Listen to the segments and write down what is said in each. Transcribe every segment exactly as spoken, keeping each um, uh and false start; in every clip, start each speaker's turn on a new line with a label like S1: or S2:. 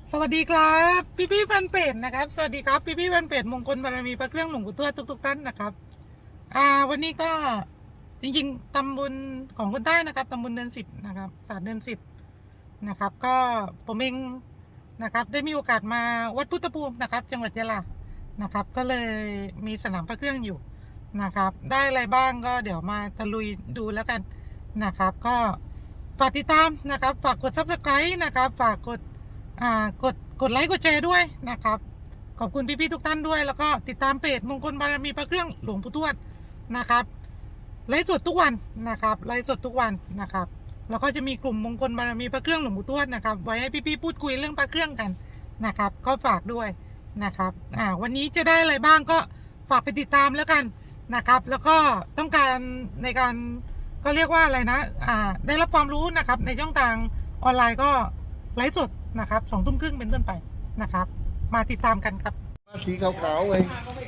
S1: สวัสดีครับพี่พี่แฟนเพจนะครับสวัสดีครับพี่พี่แฟนเพจมงคลบารมีพระเครื่องหลวงปู่ทวดทุกๆท่านนะครับอ่าวันนี้ก็จริงๆตำบลของคนใต้นะครับตำบลเดือนสิบนะครับศาสตร์เดือนสิบนะครับก็ผมเองนะครับได้มีโอกาสมาวัดพุทธภูมินะครับจังหวัดยะลานะครับก็เลยมีสนามพระเครื่องอยู่นะครับได้อะไรบ้างก็เดี๋ยวมาตะลุยดูแล้วกันนะครับก็ฝากติดตามนะครับฝากกดซับสไครต์นะครับฝากกดอ่ากดกดไลค์กดแชร์ด้วยนะครับขอบคุณพี่ๆทุกท่านด้วยแล้วก็ติดตามเพจมงคลบารมีพระเครื่องหลวงปู่ทวดนะครับไลฟ์สดทุกวันนะครับไลฟ์สดทุกวันนะครับแล้วก็จะมีกลุ่มมงคลบารมีพระเครื่องหลวงปู่ทวดนะครับไว้ให้พี่ๆพูดคุยเรื่องพระเครื่องกันนะครับก็ฝากด้วยนะครับอ่าวันนี้จะได้อะไรบ้างก็ฝากไปติดตามแล้วกันนะครับแล้วก็ต้องการในการก็เรียกว่าอะไรนะอ่าได้รับความรู้นะครับในช่องทางออนไลน์ก็ไลฟ์สดนะครับสองทุ่มครึ่งเป็นต้นไปนะครับมาติดตามกันครับ
S2: มาสีขาวๆไง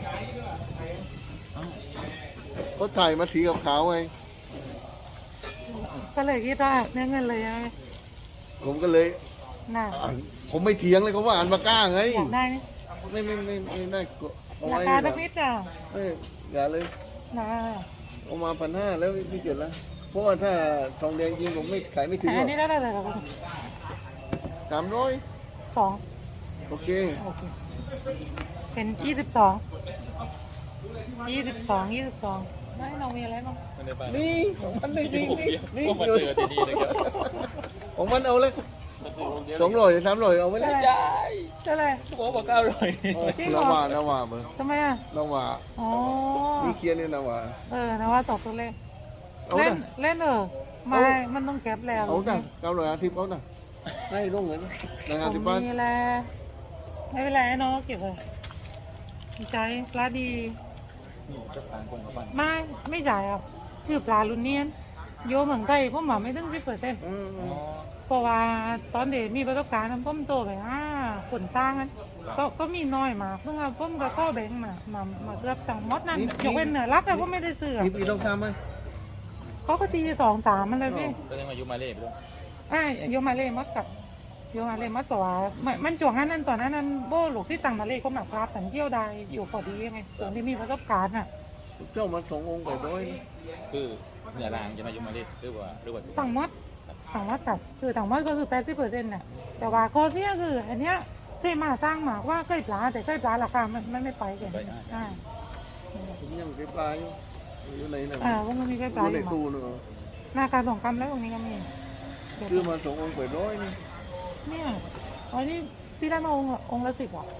S2: เขาถ่ายมาสีขาวๆไง
S1: ก็เลยคิดว่าเนื้อเงินเลยไง
S2: ผมก็เลย
S1: น่ะ
S2: ผมไม่เถียงเลยเขาว่าอ่านมากล้าไง
S1: อยากได้
S2: ไม่ไม่ไม่ไม่ได้เอา
S1: อยาก
S2: ไว้
S1: ได้สักนิดอ่ะ
S2: เอ้ยอย่าเลย
S1: น่ะ
S2: เอามาพันห้าแล้วไม่เกิดแล้วเพราะว่าถ้าทองแดงจริงผมไม่ขายไม่ถึงหร
S1: อั
S2: อน ก
S1: นี้ได้เลยครับ
S2: สามร้อย
S1: สอง
S2: โอเค
S1: โอเคเป็นยี่สิบสองยี่สิบสองยี่สิบสองไม่น้องมีอะไรบ้าง
S2: นี่ของมันนี่นี่นี่นี่อยู่ของมันเอาเลยสองร้อยสามร้อยเอาไว้เลย
S1: ได้ได้เลย
S3: โอ้บอกเก้าร้อย
S2: นาวานาวาเบอร์
S1: ทำไมอ่ะ
S2: นาวา
S1: อ๋อ
S2: นี่เคียนนี่นาวา
S1: เออนาวาตกตัวเลขเล่นเล่นเออไม่มันต้องเก็บแล้ว
S2: เอาจ้ะเก้าร้อยอาทิตย์เขาจ้ะให้ลงเงินนะอาทิตย์บ้าน
S1: มีแลไม่เป็นไรน้องเก็บเลยใจปลาดีไม่ไม่จ่ายอ่ะคือปลาลุนเนียนโยเหมือนไก่พวกหมาไม่ต้องสิบเปอร์เซ็นต์เพราะว่าตอนเด็กมีประสบการณ์พ่อมโตไปอ่าขนตั้งนั้นก็ก็มีน้อยมาเพิ่งเอาพ่อมกับข้อแบงมามามาเกือบต่างมดนั่นยกเว้นเหนือรักแต่ก็ไม่ได้ซื้อ
S2: พี่ต้องทำไหม
S1: เขาก็ตีสองสามมันเลยพี่
S3: ก็ยังมายุมาเล่ไปด้วย
S1: อ่าโยมาเล่มัดกับโยมาเล่มัดตัวมันจวงนั้นนั่นตอนนั้นนั่นโบ้หลูกที่ต่างมาเล่ก็มาพลาดแต่เที่ยวใดอยู่พอดีไงตอนที่มีประสบการณ์อ่ะ
S2: เจ้ามาสององค์ไปด้วย
S3: คือเหนือรางจะมายุมาเล่หรือว่าหรือว่า
S1: ต่างมดต่างมดกับคือต่างมดก็คือแปดสิบเปอร์เซ็นต์น่ะแต่ว่าข้อเสียคืออันเนี้ยเจ๊มาสร้างหมากว่าใกล้ปลาแต่ใกล้ปลาราคามันไม่ไม่ไปกันอ่า
S2: ผมยังใกล้ปลาอยู่อยู่ไหนนะ
S1: อ่าว่ามันมีใกล้ปลาอยู่
S2: ในตู้เนอะ
S1: หน้าการสองคำแล้วตรงนี้ก็มี
S2: คือมาสององค์ไปด้วยนี่
S1: เนี่ยอันนี้พี่ได้มาองค์องค์ละสิบอ่ะ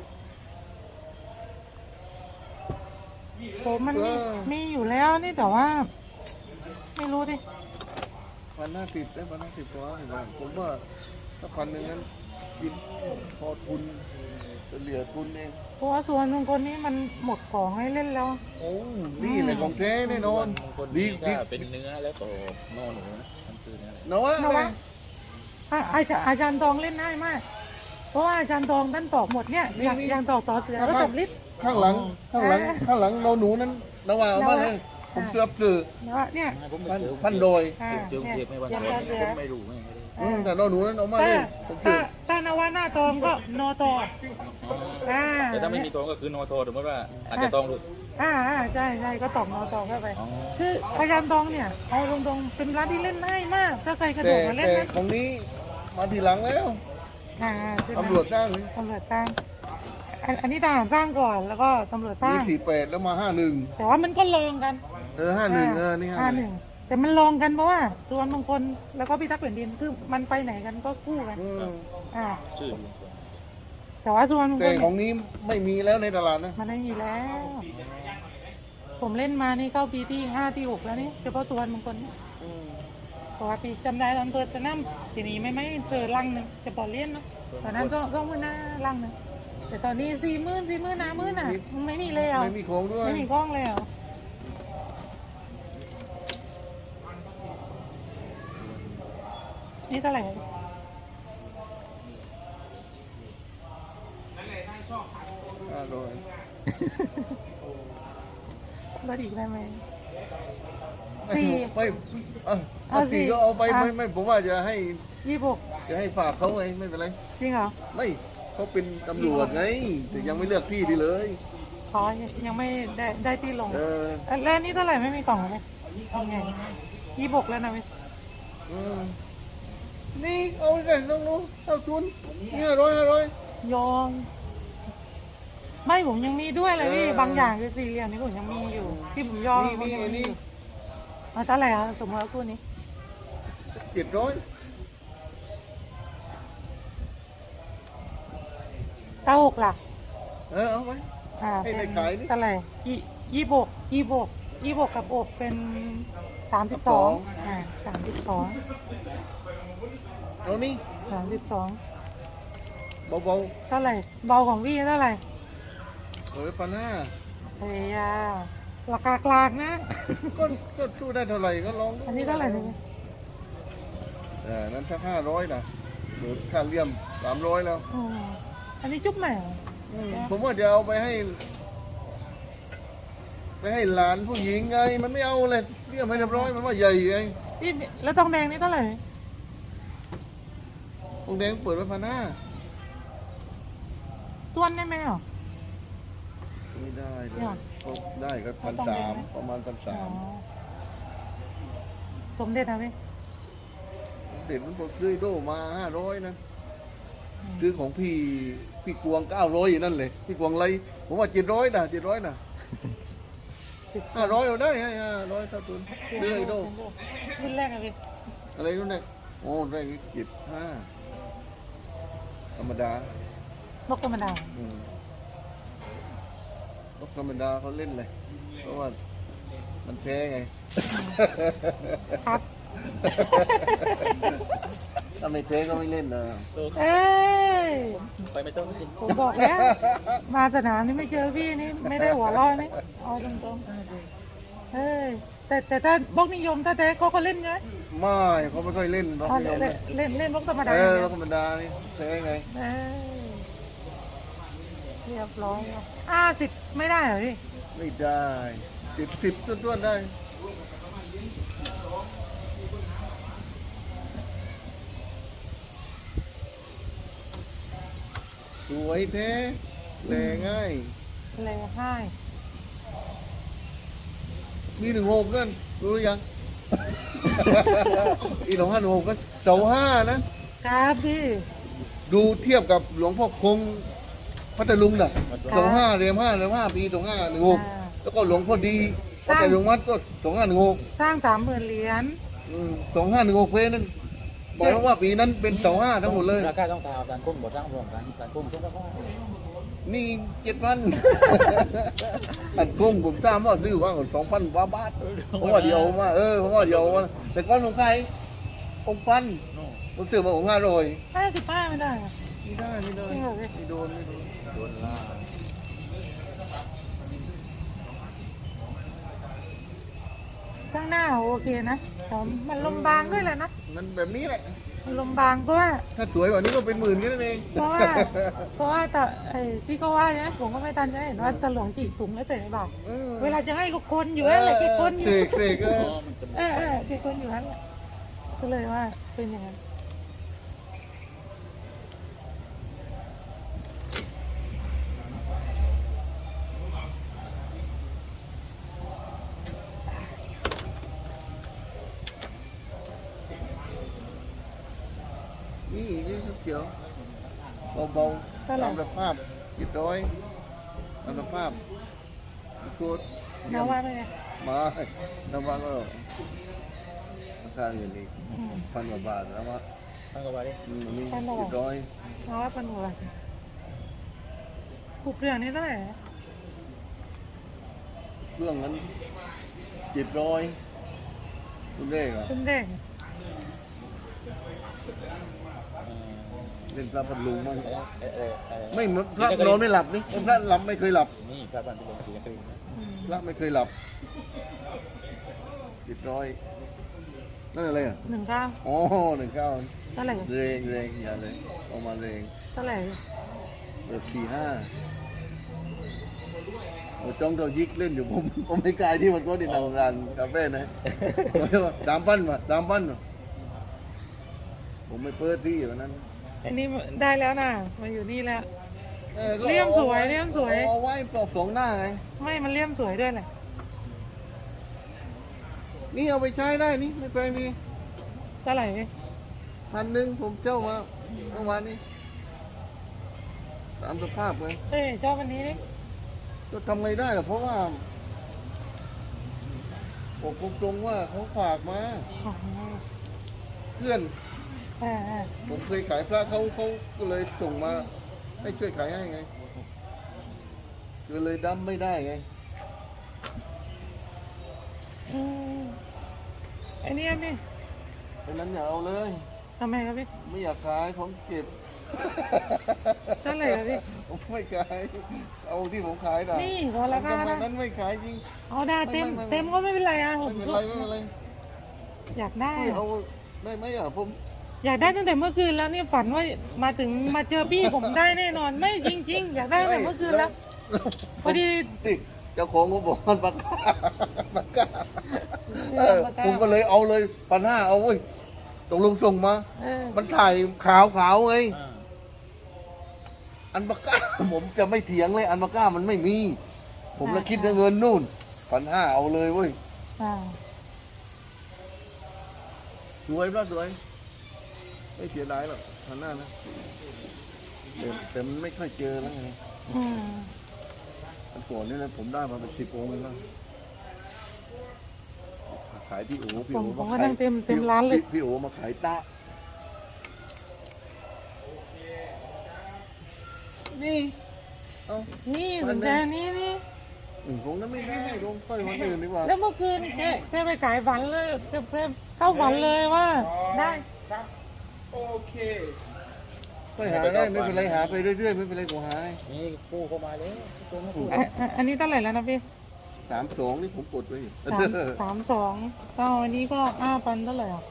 S1: ผมมันมีมีอยู่แล้วนี่แต่ว่าไม่รู้ดิ
S2: พันห้าสิบได้พันห้าสิบตัวผมว่าถ้าพันหนึ่งนั้นกินพอทุนเหลือทุนเอง
S1: เพราะว่าส่วนบางคนนี้มันหมดของให้เล่นแล้ว
S2: โอ้นี่เลยของแท้แน่นอน
S3: ดีดีเป็นเนื้อแล้วก็นอหนูมันคือเนื้อ
S2: เนาะ
S1: เนาะอาจารย์อาจารย์ทองเล่นง่ายมากเพราะว่าอาจารย์ทองท่านตอกหมดเนี่ยอย่างอย่างตอกต่อเสือแล้วจับลิศ
S2: ข้างหลังข้างหลังข้างหลังนอหนูนั้นนาวาเอามาเลยผมเกือบคือ
S1: เนี่ย
S2: พันโดย
S3: เจอเทียบไม่วันผมไม่รู้ไม่
S2: แต่นอหนูนั้นเอามาเลยผมคือ
S1: ถ้านาวาหน้าทองก็นอทอ
S3: แต่ถ้าไม่มีทองก็คือนอทอสมมติว่าอาจจะทองหลุด
S1: อ่าใช่ใช่ก็ตอกนอทองเข้าไปคืออาจารย์ทองเนี่ยเอาตรงๆเป็นร้านที่เล่นง่ายมากถ้าใครกระโดดมาเล่นนะ
S2: ของนี้มาทีหลังแล้วตำรวจสร้าง
S1: ตำรวจสร้างอันนี้ทหารสร้างก่อนแล้วก็ตำรวจสร้าง
S2: นี่สี่แปดแล้วมาห้าหนึ่ง
S1: แต่ว่ามันก็ลองกัน
S2: เออห้าหนึ่งเออนี่
S1: ห้าหนึ่งแต่มันลองกันเพราะว่าส่วนบางคนแล้วก็พิทักษ์แผ่นดินคือมันไปไหนกันก็คู่กันอ่าแต่ว่าส่วนบางคน
S2: แต่ของนี้ไม่มีแล้วในตลาดนะ
S1: มันไม่มีแล้วผมเล่นมานี่เข้าปีที่ห้าที่หกแล้วนี่เฉพาะส่วนบางคนเพราะว่าปีจำได้ตอนเปิดสนามทีนี้ไม่ไม่เจอลังหนึ่งจะปอเลี้ยนเนาะตอนนั้นต้องต้องมือหน้าลังหนึ่งแต่ตอนนี้สี่หมื่นสี่หมื่นน้าหมื่นอ่ะไม่มีแล้ว
S2: ไม่มีของด้วย
S1: ไม่มีกล้องแล้วนี่เท่าไหร่
S2: ห้าร้อย
S1: ลดอีกได้ไหมสี่
S2: ไม่เอาสี่ก็เอาไปไม่ไม่ผมว่าจะให้
S1: ยี่สิบหก
S2: จะให้ฝากเขาไงไม่เป็นไร
S1: จริงเหรอ
S2: ไม่เขาเป็นตำรวจไงแต่ยังไม่เลือกที่ดีเลย
S1: ขอยังไม่ได้ได้ที่ลง
S2: เออ
S1: แล้วนี่เท่าไหร่ไม่มีกล่องเลยยังไงยี่บกแล้วนะพี่
S2: เออนี่เอาไปเลยน้องนู้เอาทุนห้าร้อยห้าร้อย
S1: ยอมไม่ผมยังมีด้วยเลยพี่
S2: เออ
S1: บางอย่างคือสี่เหลี่ยมนี่ผมยังมีอยู่ที่ผมยอม
S2: นี่
S1: ผมยัง
S2: นี่
S1: มี
S2: นี่
S1: อยู่เอาเท่าไหร่ครับสมมติว่าคู่นี้
S2: เจ็ดร้อย
S1: เก้าหกหลัก
S2: เออเอาไว้
S1: อ่า
S2: ให้
S1: เป็น
S2: ในขายนี่
S1: เท่าไหร่ยี่ยี่บกยี่บกยี่บกกับอกเป็นสามสิบสองอ่าสามสิบสอง
S2: เอานี่
S1: สามสิบสอง
S2: เบา
S1: เท่าไหร่เบาของพี่เท่าไหร่
S2: ๆเอาไว้พันห้า
S1: เฮียราคากลางนะ
S2: ก็ก็สู้ได้เท่าไหร่ก็ลอง
S1: อันนี้เท่าไหร่เนี่ย
S2: เออนั้นถ้าห้าร้อยนะหรือค่าเลี่ยมสามร้อยแล้ว
S1: อืมอันนี้จุ๊บใหม่
S2: อืมผมว่าจะเอาไปให้ ไปให้หลานผู้หญิงไง มันไม่เอาเลยเลี่ยมให้เรียบร้อยมันว่าใหญ่ไง
S1: พี่แล้วทองแดงนี่เท่าไหร่
S2: ตรงแดงเปิดไว้พันห้า
S1: ต้วนได้ไหมอ่ะ
S2: ไม่ได้เลย
S1: เนี่ย
S2: ก็ได้ก็พัน
S1: ต้อง
S2: สา
S1: แดง
S2: ม
S1: ไหม
S2: ประมาณพัน
S1: อ๋
S2: สา
S1: อ
S2: ม
S1: สมเด็จนะพี่
S2: เด็ดมันบอกซื้อโดมาห้าร้อยนะ
S1: อืม
S2: ซื้อของพี่พี่กวงเก้าร้อยอยู่นั่นเลยพี่กวงไรผมว่าเจ็ดร้อยนะเจ็ดร้อยนะห้าร้อยเอาได้ห้าร้อยเท่าทุนซื้อไอโด
S1: รุ่นแรกอะพี่
S2: อะไรนู่นเนี่ยโอ้ได้เจ็ดห้าธรรมดาน
S1: กธรรมดา
S2: อืมนกธรรมดาเขาเล่นเลยเพราะว่ามันแพ้ไง
S1: ครับ
S2: ถ้าไม่แพ้ก็ไม่เล่นนะ
S1: เอ้ย
S3: ไปไม่ต้องกิน
S1: ผมบอกแล้ว มาสนามนี่ไม่เจอพี่นี่ไม่ได้หัวเร้อนนี่เอาตรงๆเอ้ยแต่แต่ถ้าบล็อกนิยมถ้าแท้เขาก็เล่นไง
S2: ไม่เขาไม่ค่อยเล่นนก
S1: อ๋อ
S2: นิย
S1: เล่
S2: ม
S1: นเล่นเล่นบล็อกธรรมดา
S2: เอ
S1: อ
S2: อย่าง น
S1: เงี้
S2: ก
S1: ย
S2: ธรรมดานี่แพ้ไง
S1: เอ้ยเรียบร้อยอ่าสิบไม่ได้เหรอพี่
S2: ไม่ได้สิบสิบต้นๆได้สวยแท้แลง่าย
S1: เลยให้
S2: มีหนึ่งหกนั่นรู้หรือยัง อีหลวงห้าหนึ่งหกกันเสาห้านะครับ
S1: พี่
S2: ดูเทียบกับหลวงพ่อคงพัทลุงน่ะเสาห้าเรียมห้าเรียมห้าปีสองห้าหนึ่งหก
S1: อ่า
S2: แล้วก็หลวงพ่อดีพัทลุงวัดก็สองห้าหนึ่งหก
S1: สร้างสามหมื่นเหรียญ
S2: สองห้าหนึ่งหกเพนั่นบอกแล้วว่าปีนั้นเป็นเสาห้าทั้งหมดเลย
S3: ราคาต้องตามการคุ้มบ่สร้างรวมกันการคุ้มทุกราคา
S2: นี่เจ็ดพัน อันกุ้งผมทราบว่าซื้อว่าสองพันกว่าบาทเพราะว่าเดียวมาเออเพราะว่าเดียวมาแต่ก้อนของใครองค์พันผมซื้อมาองค์ห้าร้อย
S1: ห้าสิบห้าไม่ได้เหรอ
S2: ไม่ได้ไม่ได้
S1: จริงเหรอพี่
S2: ไม่โดนไม่โดน
S3: โดนล่า
S1: ข้างหน้าโอเคนะแต่มันลมบางด้วยแหละนะ
S2: มันแบบนี้แหละ
S1: มันลมบางเพราะว่า
S2: ถ้าสวยกว่านี้ก็เป็นหมื่นแค่นั้นเอง
S1: เพราะว่าเพราะว่าแต่ไอ้ที่เขาว่าเนี่ยผมก็ไม่ทันจะเห็นว่าจะหลวงจีบถุงแล้วใส่ในบาตร
S2: อืม
S1: เวลาจะให้ก็คนอยู่นั่นแหละกี่คนอ
S2: เส
S1: ยู่
S2: กเสกเออ
S1: เออเออกี่คนอยู่นั่นแหละก็เลยว่าเป็นอย่างนั้น
S2: นี่นี่เขียวเบาๆ
S1: เท่าไหร่
S2: ตามสภาพจิตร้อยตามสภาพตัว
S1: น้าว่าไม่ไง
S2: มาน้ำมันก็ราคาเงินอีก
S1: อืม
S2: พันกว่าบาทแล้วว่า
S3: ตั้งกันไว้ดิ
S2: อืมนี่
S1: พันกว่าบาท
S2: จิตร้อย
S1: น้าว่าเป็นหัวผูกเรื่องนี้เท่าไหร่นะ
S2: เครื่องนั้นจิตร้อยคุณเด้เหรอ
S1: คุณเด็ก
S2: เล่นพระพันลุงมั้ง
S3: เออเออเออ
S2: ไม่พระนอนไม่หลับนี่พระหลับไม่เคยหลับ
S3: นี่พระบ้านที่ลงสีกรีน
S1: อืม
S2: พระไม่เคยหลับจิตร้อยนั่นอะไรอ่ะ
S1: หนึ่งเก้า
S2: อ๋อหนึ่งเก้า
S1: เท่าไหร่
S2: เรงเรงอย่าเลยออกมาเรง
S1: เท่าไหร่
S2: เปิดสี่ห้าเราจ้องเรายิกเล่นอยู่ผมผมไม่กล้าที่มันก็ดินเอางานกาแฟนะสามพันมาสามพันมาผมไม่เปิดที่วันนั้น
S1: อันนี้ได้แล้วนะมาอยู่นี่แล้ว
S2: ออก็
S1: เลี่ยมสวยเลี่ยมสวย
S2: เอาไว้ปลอกสองหน้าไง
S1: ไม่มันเลี่ยมสวยด้วยแหละ
S2: นี่เอาไปใช้ได้นี่ไม่ไปมี
S1: เท่าไหร่พี่
S2: พันหนึ่งผมเจ้ามาเมื่อวานนี้ตามสภาพไง
S1: เอ้ยชอบอันนี้นี่
S2: ก็ทำไงได้ล่ะเพราะว่าบอกตรงๆว่าเขาฝากมา
S1: อ๋อ
S2: เพื่อน
S1: อ่าอ่า
S2: ผมเคยขายพระเขาเขาก็เลยส่งมาให้ช่วยขายให้ไงก็เลยดั้มไม่ได้ไง
S1: อืมไอ้นี่พี่
S2: เพราะนั้นอย่าเอาเลย
S1: ทำไมครับพี่
S2: ไม่อยากขายผมเก็บ
S1: เท่าไหร่ครับพี่
S2: ผมไม่ขายเอาที่ผมขายได้
S1: นี่พอราคา
S2: สมั
S1: นะ
S2: ยนั้นไม่ขายจริง
S1: เอาได้เต็ม
S2: ไม่ไม่ไม่
S1: เต็มก็ไม่เป็นไรอ่ะผ
S2: ไม่
S1: ม
S2: เป็น
S1: ก็
S2: ไรไม่เป็นไร
S1: อยากได้
S2: ไม่
S1: อะ
S2: เอาได้ไหมอ่ะผม
S1: อยากได้ตั้งแต่เมื่อคืนแล้วเนี่ยฝันว่ามาถึงมาเจอพี่ผมได้แน่นอนไม่จริง ๆ อยากได้ตั้งแต่เมื่อคืนแล้วพอดี
S2: นี่เจ้าของเขาบอกมันปากกาปากกา
S1: เอ
S2: เอ
S1: อ
S2: อ
S1: ปากกา
S2: ผมก็เลยเอาเลยพันห้าเอาเว้ยตกลงส่งมา
S1: เออ
S2: มันถ่ายขาวขาวๆไง
S3: อ่า
S2: อันปากกา ผมจะไม่เถียงเลย อันปากกามันไม่มี ผมเลยคิดเงินนู่นพันห้าเอาเลยเว้ย
S1: อ่า
S2: สวยปะสวยไม่เสียดายหรอกพันห้านะแต่แต่มันไม่ค่อยเจอแล้วไง
S1: อืม
S2: อันก่อนนี่นะผมได้มาเป็นสิบองค์แล้วขายพี่โอ๋พี่
S1: ผ
S2: โอ๋
S1: มผม
S2: มา
S1: ก็
S2: ขาย
S1: นั่งเต็มเต็มร้านเลย
S2: พี่พี่โอ๋มาขายตะนี่เอา
S1: นี่สนใจอันนี้นี่
S2: อืมคงนั้นไม่ได้ลงค่อยวันอื่นดีกว่า
S1: แล้วเมื่อคืนแกแกไปขายฝันเลยแกแกเข้าฝันเลยว่า ได้
S3: โอเค
S2: ค่อยหาได้ไม่เป็นไรหาไปเรื่อยๆไม่เป็นไรกูหาให้
S3: นี่กู้เข้ามาเลยกู้มากู้
S1: อ่ะอ่ะอันนี้เท่าไหร่แล้วนะพี่
S2: สามสองนี่ผมกดไว้อยู่
S1: สามสามสองก็อันนี้ก็ห้าพันเท่าไหร่อ่ะ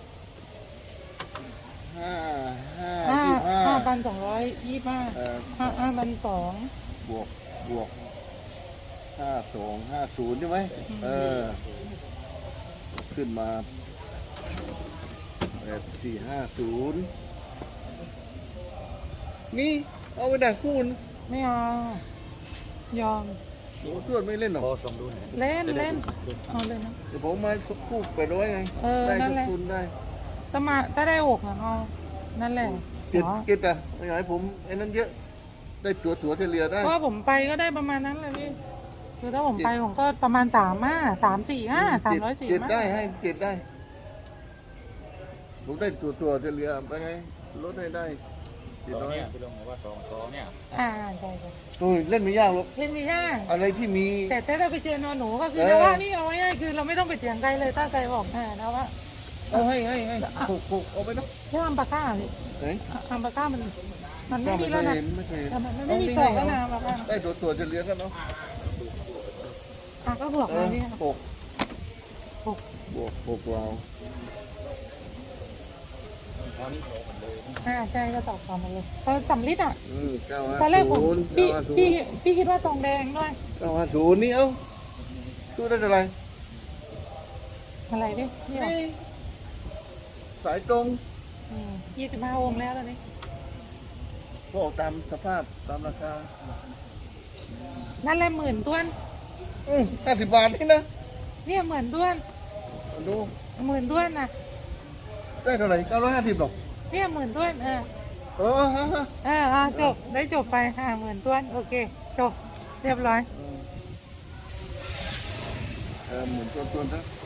S2: ห้าห้า
S1: ห้า
S2: ยี่ห้า
S1: ห้าพันสองร้อยยี่สิบห้า
S2: เอ่อ
S1: ห้าห้าพันสอง
S2: บวกบวกห้าสองห้าศูนย์ใช่ไหมเออ ขึ้นมาแปดสี่ห้าศูนย์นี่เอาไปดักคูณ
S1: ไม่เอายอม
S2: โอ้ตรวจไม่เล่นหรอก
S3: พอส่งดูหน่อย
S1: เล่นเล่นเอาเลยนะ
S2: เดี๋ยวผมมาคู่ไปร้อยไง
S1: เออ
S2: ได้
S1: นั่
S2: ทุ
S1: น
S2: ก
S1: แหละ
S2: ทุนได้
S1: ถ้ามาถ้าได้หกนะเอานั่นแหละ
S2: เก็ด
S1: อ๋อ
S2: เก็ดอ่ะไม่อยากให้ผมไอ้นั้นเยอะ ได้ตัวตัวเทเลียได้
S1: เพราะว่าผมไปก็ได้ประมาณนั้นเลยพี่คือถ้าผมไปผมก็ประมาณสามห้าสามสี่ห้าสามร้อยสี่
S2: เก็ด
S1: ห้า
S2: ได้ให้เก็ดได้ ผมได้ตัวตัวเทเลียไปไงลดให้ได้
S3: ส
S2: เจ็ด
S3: อง
S2: ร้อย
S3: เนี่ยพี่ลงบอกว่าสองสองเนี่ย
S1: อ่าใช่ใช่
S2: โอ้ยเล่นไม่ยากหรอก
S1: เล่นไม่ยาก
S2: อะไรที่มี
S1: แต่ถ้าเราไปเจอนอนหนูก็คือ
S2: เออ
S1: นะว่านี่เอาไว้ง่ายคือเราไม่ต้องไปเถียงใครเลยถ้าใครบอกแน่นะว่า
S2: เอาให้ให้ให้หกหกเอาไปเนาะ
S1: เรื่องอัมปาก้าพี่
S2: เฮ้ย
S1: อัมปาก้ามันมันไม่
S2: ก็
S1: มี
S2: ไม่เค
S1: แล้ว
S2: ย
S1: นะ
S2: เห็นไม่เคยเห็น
S1: แต่มันไม่มีต่อแล้วนะอัมปาก้า
S2: ได้ตัวตัวเทเลียกันเนาะ
S1: อ่ะก็บวก
S2: เอ
S1: มา
S2: อ
S1: พี่
S2: หก
S1: หก
S2: บวกหกเรา
S3: ตอนนี้โสดเลย
S1: อ่าใช่ก็ตอบตามมาเลยเออสำลิดอ่ะ
S2: อืมเก้าห้า
S1: ตอนแรกผม
S2: ศูนย์
S1: พี่
S2: เก้าห้าศูน
S1: พี่
S2: ย์
S1: พี่คิดว่าทองแดงด้วย
S2: เก้าห้าศูนย์นี่เอ้าตู้ได้เท่าไหร่
S1: อะไรดินี่เหรอ
S2: นี่สายตรง
S1: ยี่สิบห้าองค์แล้วตอนนี้
S2: ก็ออกตามสภาพตามราคา
S1: นั่นแหละหมื่นต้วน
S2: อืมห้าสิบบาทนี่นะ
S1: เนี่ยหมื่นต้วน
S2: มาดู
S1: หมื่นต้วนนะ
S2: ได้เท่าไหร่เก้าร้อยห้าสิบหรอก
S1: เนี่ยหมื่นต้วนเออ
S2: เออฮะฮะ
S1: เอออ่ะจบได้จบไปห้าหมื่นต้วนโอเคจบเรียบร้อย
S2: เออเหมือนตัวตัวๆนะ